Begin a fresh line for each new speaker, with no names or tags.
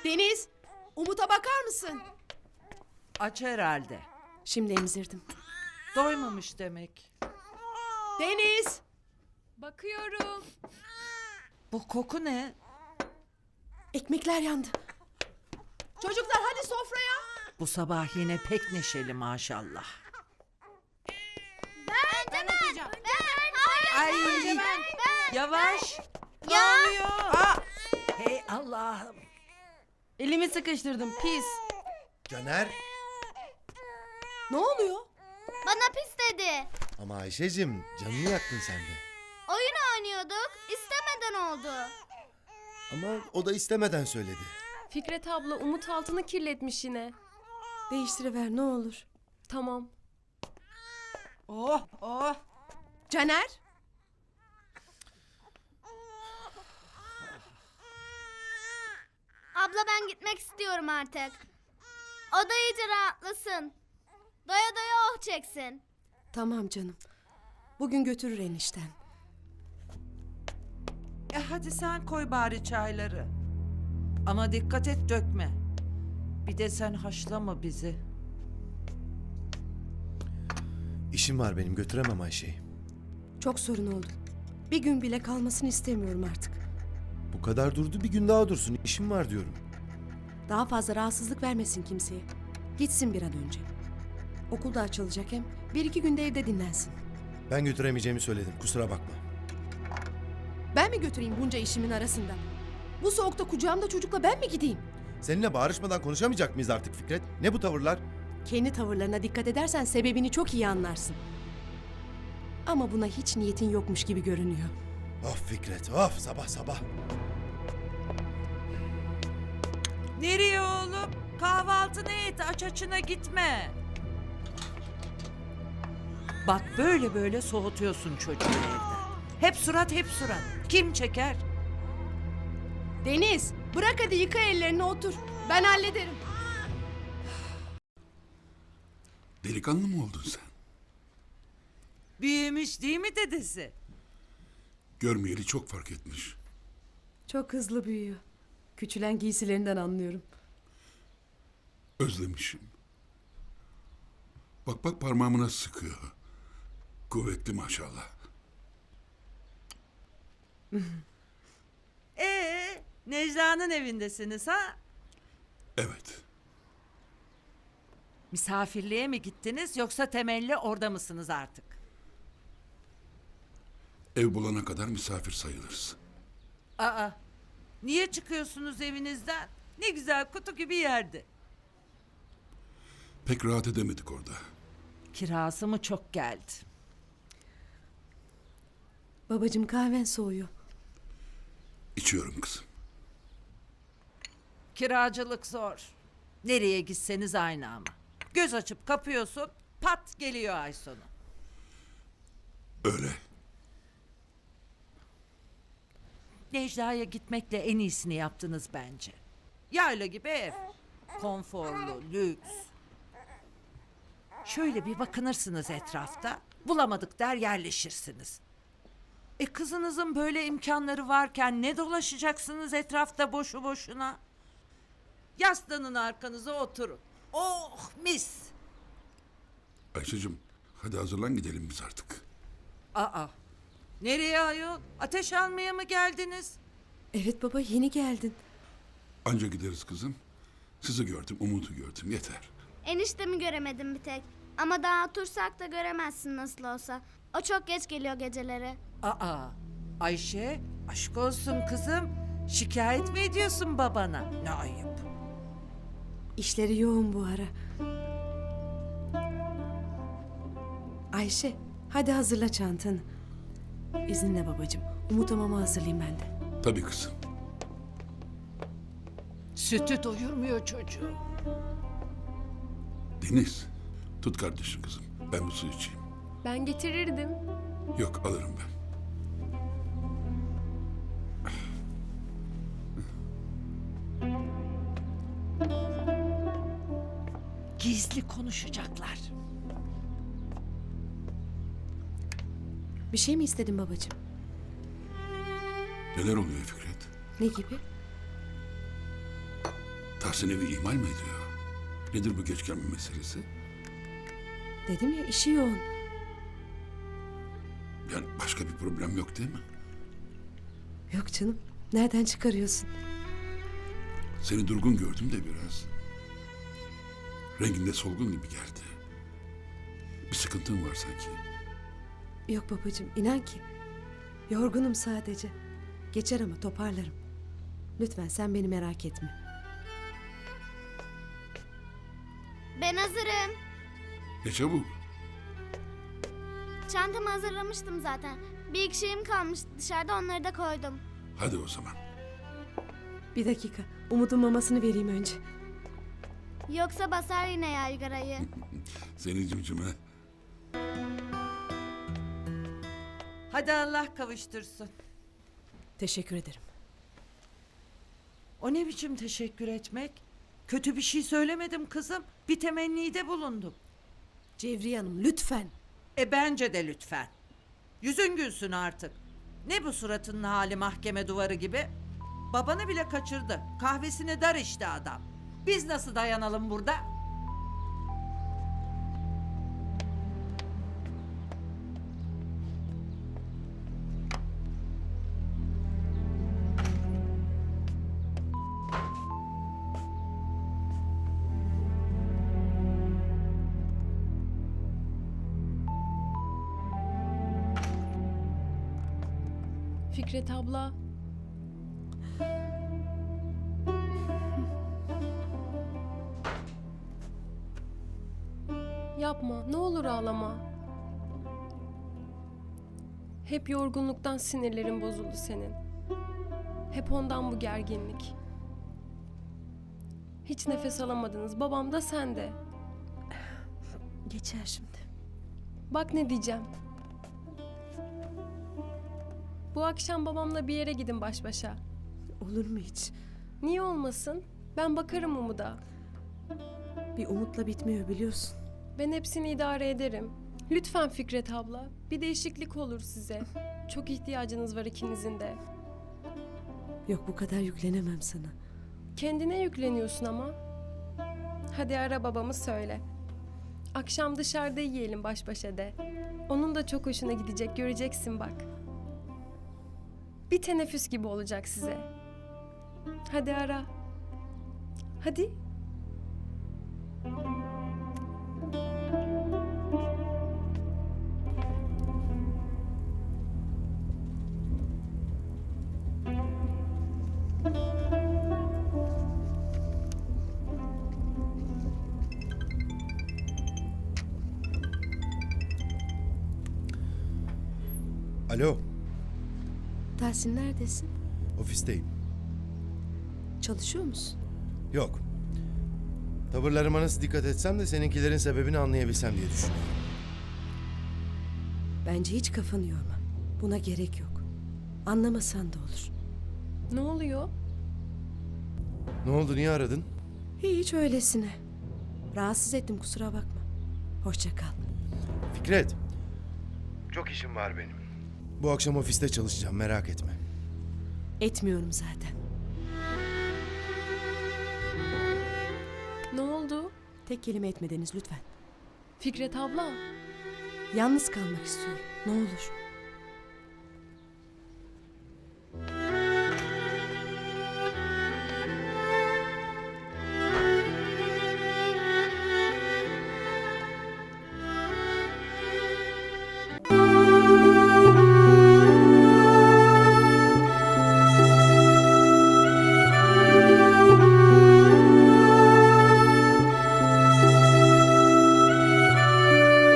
Deniz, Umut'a bakar mısın?
Aç herhalde.
Şimdi emzirdim.
Doymamış demek.
Deniz!
Bakıyorum.
Bu koku ne?
Ekmekler yandı. Çocuklar hadi sofraya.
Bu sabah yine pek neşeli maşallah.
Ben atacağım.
Ay yavaş. Ne
Ya.
oluyor? Hey Allah'ım.
Elimi sıkıştırdım pis.
Caner.
Ne oluyor?
Bana pis dedi.
Ama Ayşe'cim canını yaktın sen de.
Oyun oynuyorduk. İstemeden oldu.
Ama o da istemeden söyledi.
Fikret abla Umut altını kirletmiş yine.
Değiştiriver ne olur.
Tamam.
Oh oh.
Caner?
Abla ben gitmek istiyorum artık. O da iyice rahatlasın. Doya doya oh çeksin.
Tamam canım. Bugün götürür enişten.
Hadi sen koy bari çayları. Ama dikkat et dökme. Bir de sen haşlama bizi.
İşim var benim, götüremem Ayşe'yi.
Çok sorun oldu. Bir gün bile kalmasını istemiyorum artık.
Bu kadar durdu, bir gün daha dursun. İşim var diyorum.
Daha fazla rahatsızlık vermesin kimseye. Gitsin bir an önce. Okul da açılacak hem. Bir iki günde evde dinlensin.
Ben götüremeyeceğimi söyledim, kusura bakma.
Ben mi götüreyim bunca işimin arasında? Bu soğukta kucağımda çocukla ben mi gideyim?
Seninle bağırışmadan konuşamayacak mıyız artık Fikret? Ne bu tavırlar?
Kendi tavırlarına dikkat edersen sebebini çok iyi anlarsın. Ama buna hiç niyetin yokmuş gibi görünüyor.
Of Fikret, of sabah sabah.
Nereye oğlum? Kahvaltını et, aç açına gitme. Bak böyle böyle soğutuyorsun çocuğu evden. Hep surat, hep surat. Kim çeker?
Deniz, bırak hadi yıka ellerini otur. Ben hallederim.
Delikanlı mı oldun sen?
Büyümüş değil mi dedesi?
Görmeyeli çok fark etmiş.
Çok hızlı büyüyor. Küçülen giysilerinden anlıyorum.
Özlemişim. Bak bak parmağımı nasıl sıkıyor. Kuvvetli maşallah.
Necla'nın evindesiniz ha?
Evet.
Misafirliğe mi gittiniz yoksa temelli orada mısınız artık?
Ev bulana kadar misafir sayılırız.
Aa, niye çıkıyorsunuz evinizden? Ne güzel kutu gibi yerdi.
Pek rahat edemedik orada.
Kirası mı çok geldi?
Babacığım kahven soğuyor.
İçiyorum kızım.
Kiracılık zor. Nereye gitseniz aynı ama. Göz açıp kapıyorsun, pat geliyor ay sonu.
Öyle.
Necla'ya gitmekle en iyisini yaptınız bence. Yayla gibi ev. Konforlu, lüks. Şöyle bir bakınırsınız etrafta. Bulamadık der yerleşirsiniz. Kızınızın böyle imkanları varken ne dolaşacaksınız etrafta boşu boşuna? Yaslanın arkanıza oturun. Oh mis.
Ayşe'cim hadi hazırlan gidelim biz artık.
Aa, nereye ayol? Ateş almaya mı geldiniz?
Evet baba yeni geldin.
Anca gideriz kızım. Sizi gördüm, Umut'u gördüm yeter.
Eniştemi göremedim bir tek. Ama daha otursak da göremezsin nasıl olsa. O çok geç geliyor geceleri.
Aa, Ayşe, aşk olsun kızım. Şikayet mi ediyorsun babana? Ne ayıp.
İşleri yoğun bu ara. Ayşe hadi hazırla çantanı. İzninle babacığım. Umut'a mama hazırlayayım ben de.
Tabii kızım.
Sütü doyurmuyor çocuğu.
Deniz, tut kardeşim kızım. Ben bu suyu içeyim.
Ben getirirdim.
Yok alırım ben.
Gizli konuşacaklar.
Bir şey mi istedin babacığım?
Neler oluyor Fikret?
Ne gibi?
Tahsin evi ihmal mi ediyor? Nedir bu geç gelme meselesi?
Dedim ya işi yoğun.
Yani başka bir problem yok değil mi?
Yok canım. Nereden çıkarıyorsun?
Seni durgun gördüm de biraz. Renginde solgun gibi geldi. Bir sıkıntın var sanki.
Yok babacığım inan ki. Yorgunum sadece. Geçer ama toparlarım. Lütfen sen beni merak etme.
Ben hazırım.
Ne çabuk.
Çantamı hazırlamıştım zaten. Bir iki şeyim kalmıştı dışarıda, onları da koydum.
Hadi o zaman.
Bir dakika. Umut'un mamasını vereyim önce.
Yoksa basar yine yaygarayı.
Seni cimcime.
Hadi Allah kavuştursun.
Teşekkür ederim.
O ne biçim teşekkür etmek? Kötü bir şey söylemedim kızım. Bir temennide bulundum.
Cevriye Hanım lütfen.
Bence de lütfen. Yüzün gülsün artık. Ne bu suratının hali mahkeme duvarı gibi? Babanı bile kaçırdı. Kahvesini dar işte adam. Biz nasıl dayanalım burada?
Fikret abla. Yapma, ne olur ağlama. Hep yorgunluktan sinirlerin bozuldu senin. Hep ondan bu gerginlik. Hiç nefes alamadınız, babam da sen de.
Geçer şimdi.
Bak ne diyeceğim. Bu akşam babamla bir yere gidin baş başa.
Olur mu hiç?
Niye olmasın? Ben bakarım Umut'a.
Bir umutla bitmiyor biliyorsun.
Ben hepsini idare ederim. Lütfen Fikret abla. Bir değişiklik olur size. Çok ihtiyacınız var ikinizin de.
Yok bu kadar yüklenemem sana.
Kendine yükleniyorsun ama. Hadi ara babamı söyle. Akşam dışarıda yiyelim baş başa de. Onun da çok hoşuna gidecek, göreceksin bak. Bir teneffüs gibi olacak size. Hadi ara. Hadi.
Alo,
Tahsin neredesin?
ofisteyim.
Çalışıyor musun?
Yok. Tavırlarıma nasıl dikkat etsem de seninkilerin sebebini anlayabilsem diye düşünüyorum.
Bence hiç kafanı yorma. Buna gerek yok. Anlamasan da olur.
Ne oluyor?
Ne oldu, niye aradın?
Hiç öylesine. Rahatsız ettim kusura bakma. Hoşça kal.
Fikret. Çok işim var benim. Bu akşam ofiste çalışacağım, merak etme.
Etmiyorum zaten.
Ne oldu?
Tek kelime etmediniz lütfen.
Fikret abla.
Yalnız kalmak istiyorum. Ne olur.